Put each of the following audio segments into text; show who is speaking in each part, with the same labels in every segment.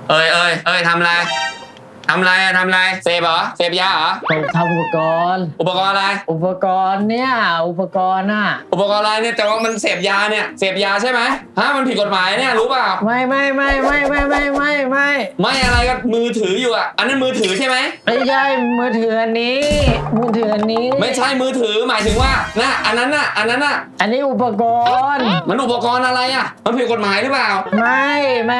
Speaker 1: ทำอะไรทำอะไรเสพเหรอเสพยาเหรอ
Speaker 2: ผมทำอุปกรณ์
Speaker 1: อะไร
Speaker 2: อุปกรณ์เนี่ยอุปกรณ์น่ะ
Speaker 1: อุปกรณ์อะไรเนี่ยแต่ว่ามันเสพยาเนี่ยเสพยาใช่ไหมฮะมันผิดกฎหมายเนี่ยรู้เปล่า
Speaker 2: ไม่
Speaker 1: ไม่อะไรก็มือถืออยู่อ่ะอันนั้นมือถือใช่ไหม
Speaker 2: ไม่ใช่มือถืออันนี้
Speaker 1: ไม่ใช่มือถือหมายถึงว่าน่ะอันนั้นน่ะอันนี้
Speaker 2: อุปกรณ์
Speaker 1: มันอุปกรณ์อะไรอ่ะมันผิดกฎหมายหรือเปล่า
Speaker 2: ไม่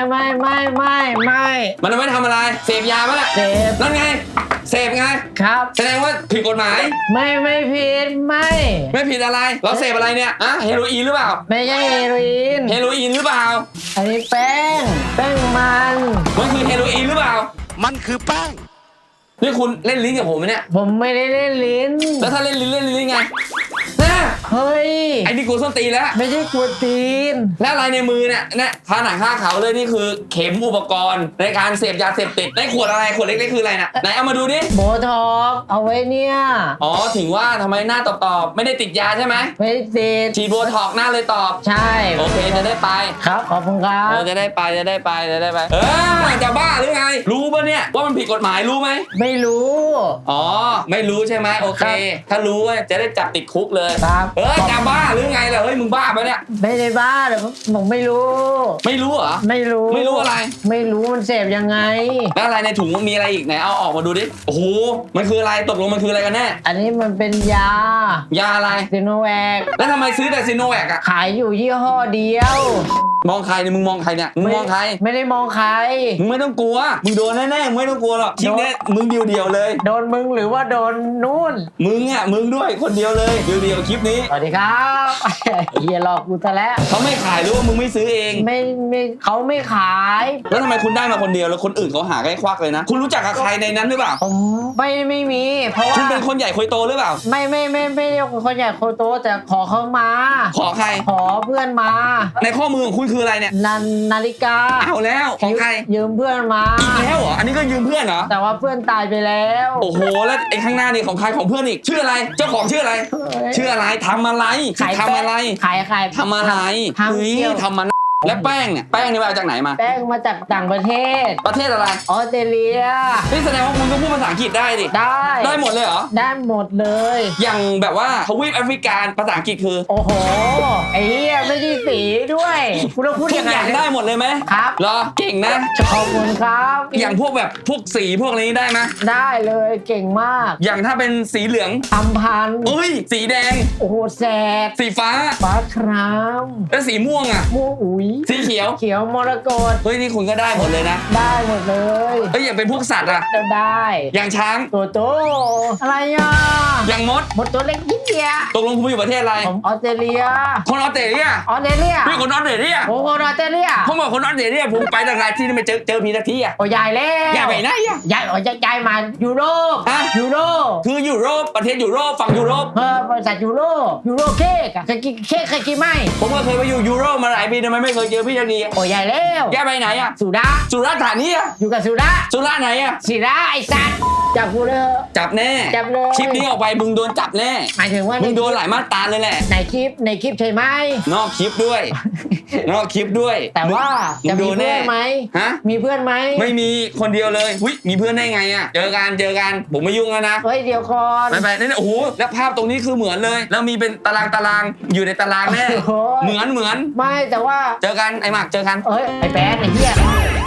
Speaker 1: มันไม่ทำอะไรเสพยาปะล่ะ
Speaker 2: เสพ
Speaker 1: นั่นไงเสพไง
Speaker 2: ครับ
Speaker 1: แสดงว่าผิดกฎหมาย
Speaker 2: ไม่ผิด
Speaker 1: ไม่ผิดอะไรเราเสพอะไรเนี่ยอะเฮโรอีนหรือเปล่า
Speaker 2: ไม่ใช่เฮโรอีน
Speaker 1: หรือเปล่า
Speaker 2: อันนี้แป้ง
Speaker 1: มันคือเฮโรอีนหรือเปล่า
Speaker 3: มันคือแป้ง
Speaker 1: นี่คุณเล่นลิ้นกับผมไหมเนี่ย
Speaker 2: ผมไม่ได้เล่นลิ้น
Speaker 1: แล้วถ้าเล่นลิ้นไง
Speaker 2: เฮ้ย
Speaker 1: ไอ้นี่กูส้นตีแล้ว
Speaker 2: ไม่ใช่กวนตีน
Speaker 1: แล้วอะไรในมือเนี่ยคาหนังคาเขาเลยนี่คือเข็มอุปกรณ์ในการเสพยาเสพติดในขวดอะไรขวดเล็กๆคืออะไรนะไหนเอามาดูดิ
Speaker 2: โบท็อกเอาไว้เนี่ย
Speaker 1: อ๋อถึงว่าทำไมหน้าตอบไม่ได้ติดยาใช่ไหม
Speaker 2: ไม่ติด
Speaker 1: ฉีดโบท็อกหน้าเลยตอบ
Speaker 2: ใช่
Speaker 1: โอเคจะได้ไป
Speaker 2: ครับขอบคุณครับ
Speaker 1: จะได้ไปจะบ้าหรือไงรู้ป่ะเนี่ยว่ามันผิดกฎหมายรู้ไหม
Speaker 2: ไม่รู้
Speaker 1: อ๋อไม่รู้ใช่ไหมโอเคถ้ารู้จะได้จับติดคุกเลยจะบ้าหรือไงล่ะเฮ้ยมึงบ้าปะเนี่ย
Speaker 2: ไม่ได้บ้าเดี๋ยวผมไม่รู้
Speaker 1: เหรอไม่รู้อะไร
Speaker 2: ไม่รู้มันเสพยังไง
Speaker 1: แล้วอะไรในถุงมันมีอะไรอีกไหนเอาออกมาดูดิโอ้โหมันคืออะไรตกลงมันคืออะไรกันแน่
Speaker 2: อันนี้มันเป็นยา
Speaker 1: อะไร
Speaker 2: ซิโนแวค
Speaker 1: แล้วทำไมซื้อแต่ซิโนแวคอะ
Speaker 2: ขายอยู่ยี่ห้อเดียว
Speaker 1: มองใครเนี่ยมึงมองใครเนี่ยมึงมองใคร
Speaker 2: ไม่ได้มองใคร
Speaker 1: มึงไม่ต้องกลัวมึงโดนแน่ๆไม่ต้องกลัวหรอกคลิปนี้มึงเดียวเลย
Speaker 2: โดนมึงหรือว่าโดนนู่น
Speaker 1: มึงด้วยคนเดียวเลยเดียวคลิปนี้
Speaker 2: สวัสดีครับเฮียหลอกกูซะแล้ว
Speaker 1: เขาไม่ขายหรือว่ามึงไม่ซื้อเอง
Speaker 2: ไม่เขาไม่ขาย
Speaker 1: แล้วทำไมคุณได้มาคนเดียวแล้วคนอื่นเขาหาใกล้ควักเลยนะคุณรู้จักกับใครในนั้นหรือเปล่า
Speaker 2: ผมไม่มีเพราะว่า
Speaker 1: คุณเป็นคนใหญ่คนโตหรือเปล่า
Speaker 2: ไม่คนใหญ่คนโตแต่ขอเขามา
Speaker 1: ขอใคร
Speaker 2: ขอเพื่อนมา
Speaker 1: ในข้อมือของคุณคืออะไรเนี่ย
Speaker 2: นาฬิกา
Speaker 1: เอาแล้วของใคร
Speaker 2: ยืมเพื่อนมา
Speaker 1: อีกแล้วเหรออันนี้ก็ยืมเพื่อนเหรอ
Speaker 2: แต่ว่าเพื่อนตายไปแล้ว
Speaker 1: โอ้โหแล้วไอ้ข้างหน้านี่ของใครของเพื่อนอีกชื่ออะไรเจ้าของชื่ออะไรทำอะไร
Speaker 2: ขายทำอะไร
Speaker 1: ทำมันแล้วแป้งเนี่ยมาจากไหนมา
Speaker 2: แป้งมาจากต่างประเทศ
Speaker 1: อะไร
Speaker 2: ออสเตรเลีย
Speaker 1: นี่แสดงว่าคุณก็พูดภาษาอังกฤษได้ดิได้หมดเลยเหรอ
Speaker 2: ได้หมดเลย
Speaker 1: อย่างแบบว่าทวีปแอฟริกาภาษาอังกฤษคือ
Speaker 2: โอ้โหไอ้เหี้ยไม่ใช่สีด้วยคุณต้องพูด
Speaker 1: ทุกอย่างได้หมดเลยไหม
Speaker 2: ครับ
Speaker 1: เหรอเก่งนะ
Speaker 2: ขอบคุณครับ
Speaker 1: อย่างพวกแบบพวกสีพวกนี้ได้ไหม
Speaker 2: ได้เลยเก่งมาก
Speaker 1: อย่างถ้าเป็นสีเหลือง
Speaker 2: อัมพันธ์
Speaker 1: สีแดง
Speaker 2: โอ้โหแสบ
Speaker 1: สีฟ้า
Speaker 2: คราม
Speaker 1: แล้วสีม่วงอ่ะ
Speaker 2: ม่วงอุ๋ย
Speaker 1: สีเขียว
Speaker 2: มรกต
Speaker 1: เฮ้ยนี่คุณก็ได้หมดเลยนะ
Speaker 2: ได้หมดเลย
Speaker 1: อย่างเป็นพวกสัตว์อะ
Speaker 2: ได้
Speaker 1: อย่างช้าง
Speaker 2: ตัวโตอะไรอ่ะ
Speaker 1: อย่างมด
Speaker 2: ตัวเล็กนิดเดียว
Speaker 1: ตกลงคุณอยู่ประเทศอะไร
Speaker 2: ผมออสเตรเลีย
Speaker 1: คนออสเตรเลียพี่คนออสเตรเลีย
Speaker 2: ผมคนออสเตรเลีย
Speaker 1: ผมบอกคนออสเตรเลียผมไปต่างๆที่ไม่เจอพี่สักทีอะ
Speaker 2: โอ้ยใหญ่แล้ว
Speaker 1: ใหญ่ไปไหนอะ
Speaker 2: ใหญ่ย้ายมายุโรปยุโรป
Speaker 1: คือยุโรปประเทศยุโรปฝั่งยุโรป
Speaker 2: บริษัทยุโรปเค้กเคยกินไหม
Speaker 1: ผมก็เคยไปอยู่ยุโรปมาหลายปีทำไมไม่เคยเจอพี่สักที
Speaker 2: โอ้ยใหญ่แล้ว
Speaker 1: ย้ายไปไหนอะ
Speaker 2: สุราษฎร์
Speaker 1: ธานีอะ
Speaker 2: อยู่กับสุราษฎร์
Speaker 1: ไหนอะ
Speaker 2: ศิระไอ้สัตว์จับกูเลย
Speaker 1: จับแน่คลิปนี้ออกไปมึงโดนจับแน่
Speaker 2: หมายถึงว่า
Speaker 1: มึงโดนหลายมาตราเลยแหละ
Speaker 2: ในคลิปใช่ไหม
Speaker 1: นอกคลิปด้วย
Speaker 2: แต่ว่าจะมีเพื่อนไหม
Speaker 1: ฮะ
Speaker 2: มีเพื่อนไหม
Speaker 1: ไม่มีคนเดียวเลยมีเพื่อนได้ไงอะเจอกันผมไม่ยุ่งแล้วนะ
Speaker 2: เดี๋ยวก่อน
Speaker 1: ไปนี่โอ้โหแล้วภาพตรงนี้คือเหมือนเลยแล้วมีเป็นตารางอยู่ในตารางแน่เหมือน
Speaker 2: ไม่แต่ว่า
Speaker 1: เจอกันไอ้หมากเจอกัน
Speaker 2: ไอ้แป๊ดไอ้เหี้ย